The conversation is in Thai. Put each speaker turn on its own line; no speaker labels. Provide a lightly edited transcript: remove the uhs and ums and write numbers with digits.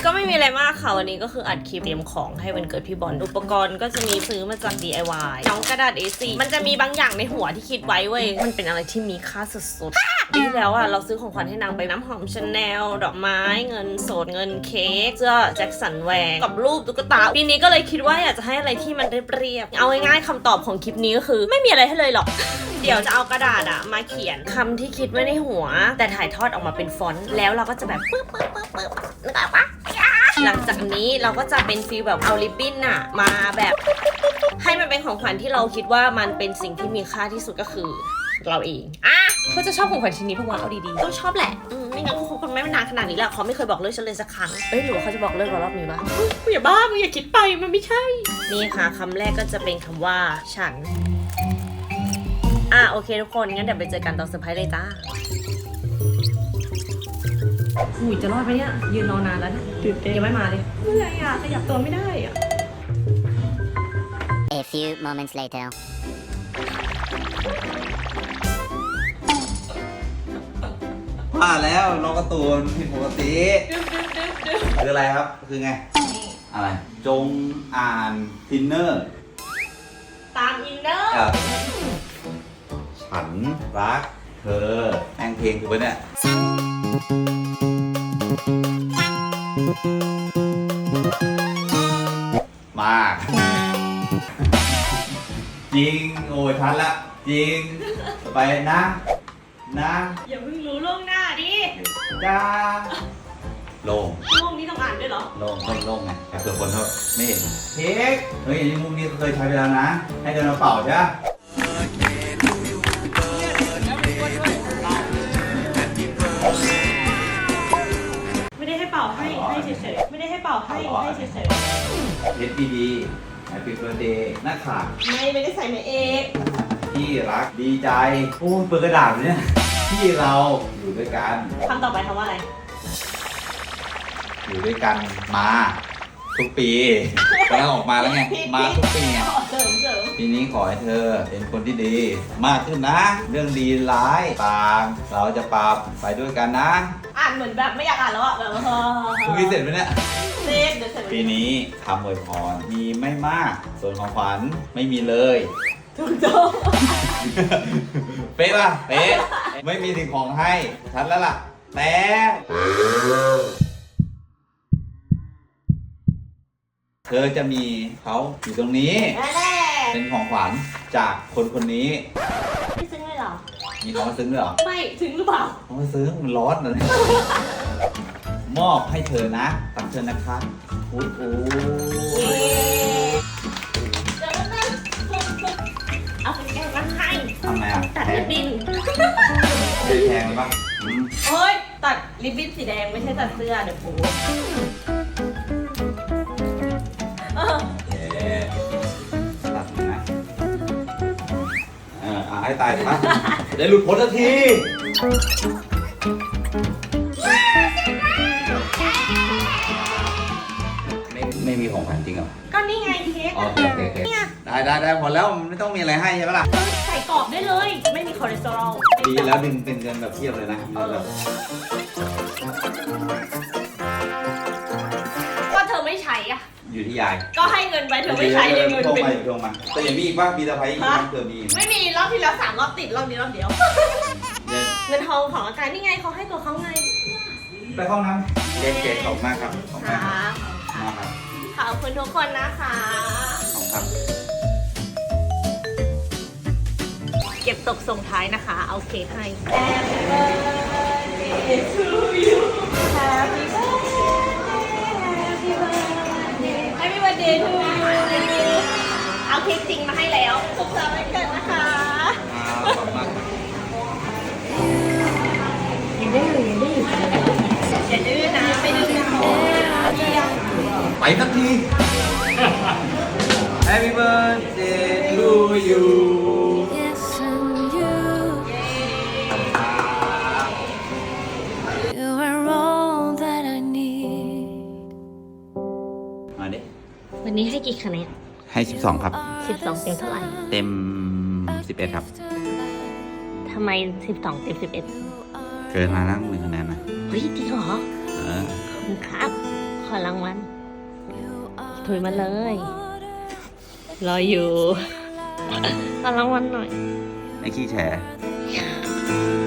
ก็ไม่มีอะไรมากค่ะวันนี้ก็คืออัดคลิปเตรียมของให้วันเกิดพี่บอลอุปกรณ์ก็จะมีซื้อมาจาก DIY น้องกระดาษ A4 มันจะมีบางอย่างในหัวที่คิดไว้เว้ยมันเป็นอะไรที่มีค่าสุดๆปีที่แล้วอ่ะเราซื้อของขวัญให้นางไปน้ำหอมชาแนลดอกไม้เงินสดเงินเค้กเสื้อแจ็คสันแวร์กับรูปตุ๊กตาปีนี้ก็เลยคิดว่าอยากจะให้อะไรที่มันเรียบๆเอาง่ายๆคำตอบของคลิปนี้ก็คือไม่มีอะไรให้เลยหรอกเดี๋ยวจะเอากระดาษอะมาเขียนคำที่คิดไว้ในหัวแต่ถ่ายทอดออกมาเป็นฟอนต์แล้วเราก็จะแบบปึ๊บนึกออกปะหลังจากนี้เราก็จะเป็นฟีลแบบเอาริบบิ้นอะมาแบบให้มันเป็นของขวัญที่เราคิดว่ามันเป็นสิ่งที่มีค่าที่สุดก็คือเราเองเขาจะชอบของขวัญชิ้นนี้เพราะว่าเอาดีๆต้องชอบแหละไม่งั้นเขาคบกันไม่นานขนาดนี้แหละเขาไม่เคยบอกเลิกฉันเลยสักครั้งหรือว่าเขาจะบอกเลิกเรารอบนี้ปะมึงอย่าบ้ามึงอย่าคิดไปมันไม่ใช่นี่ค่ะคำแรกก็จะเป็นคำว่าฉันโอเคทุกคนงั้นเดี๋ยวไปเจอกันตอนเซอร์ไพรส์เลยจ้าอุ้ยจะรอดไหมเนี่ยยืนรอนานแล้วตื่นเต้นยังไม่มาเลยเมื่อไหร่ขยับตัวไม่ได้
A few moments later.
ว่าแล้วน้องการ์ตูนผิดปกติคืออะไรครับคือไงอะไรจงอ่านทินเนอร์
ตามอินเนอร์
ฉันรักเธอแองเพลงคือปะเนี่ยมากจริงโอ้ยทันละจริงไปนะ
อย่าเพิ่งรู้ล่วงหน้าดิ
จ้าโล่ง
นี่ต้องอ่านด้วยเหรอ
โล่งไงแต่เผื่อคนเขาไม่เห็นเค้กเฮ้ยอันนี้มุมนี้เคยใช้ไปแล้วนะให้เดินมาเป่าใช่ไหม
ไม่ได้ให้เป่าให้เฉยๆไม่ได้ให้เป่าให้เฉย
ๆเฮ็ดดีๆ Happy Birthday หน้าขา
ไม่ได้ใส่ในเอก
ที่รักดีใจโอ้เปิดกระดาษเนี่ยที่เราอยู่ด้วยกัน
คำต่อไปคำว่าอะไร
อยู่ด้วยกันมาทุกปีแล้วออกมาแล้วไงมาทุกปีไง
เสริม
ปีนี้ขอให้เธอเป็นคนที่ดีมากขึ้นนะเรื่องดีร้ายต่างเราจะปรับไปด้วยกันนะ
อ่านเหมือนแบบไม่อยากอ่านแล้วอะแบบ
คุณมีเสร็จไหมเนี่ย
เดี๋ยวเสร็จ
ปีนี้คำอวยพรมีไม่มากส่วนของขวัญไม่มีเลย
ถูกต้อง
เป๊ะป่ะเป๊ะไม่มีสิ่งของให้ฉันแล้วล่ะแต่เธอจะมีเขาอยู่ตรงนี้เป็นของขวัญจากคนคนนี้
ไม่ซึ้งเลยเหรอ
มีของมาซึ้งด้วยเหรอ
ไม่ซึ้งหรือเปล่า
ของมาซึ้งมันร้อนนะมอบให้เธอนะตักเธอนะคะโอ้
เอาไปแก้มาให้
ทำไงอ่ะ
ตัดริบบิ้น
แพงปะ
โอ้ยตัดริบบิ้นสีแดงไม่ใช่ตัดเสื้อเดี๋ยวโป๊
ตัดนะให้ตายปะได้หลุดพ้นสักทีไม่มีของขวัญจริงเหรอ
ก็นี่ไงเค้ก
โอเคได้หมดแล้วมันไม่ต้องมีอะไรให้ใช่ไหมล่ะ
ใส่กรอบได้เลยไม่มีคอเลสเตอรอล
ดีแล้วดึงเป็นเงินแบบเทียบเลยนะแบบ
ก็เธอไม่ใช้อ่ะ
อยู่ที่ยาย
ก็ให้เงินไปเธอไม่ใช้เลยเงินเป็น
ดวงมันแต่ยังมีอีกว่ามีตะไคร้อีกเธอมี
ไม่มีรอบที่แล้ว3 รอบติดรอบนี้รอบเดียวเงินทองของอาจารย์นี่ไงเขาให้ตัวเขาไง
ไปห้องน้ำเก๋ๆขอบมากครับขอบมากครับ
ขอบคุณทุกคนนะคะ
ขอบครับ
เก็บตกส่งท้ายนะคะเอาเค้กให้ Happy birthday to you Happy birthday to you เอาเค้กจริงมาให้แล้วสุขสันต์วันเกิดนะคะ
ขอบมาก
ยังได้อยู่อย่าดื้อนะไปดื้อนะ
ไปสักที Happy birthday to you มาดิ
วันนี้ให้กี่คะแนน
ให้12ครับ
12เต็มเท่าไหร่
เต็ม11ครับ
ทำไม12เต็ม11
เกินมานั่ง1 คะแนนนะ
เฮ้ยจริงเหรอขอบคุณครับขอรางวัลถุยมาเลย รออยู่ ขอรางวัลหน่อย
ไอ้ขี้แฉ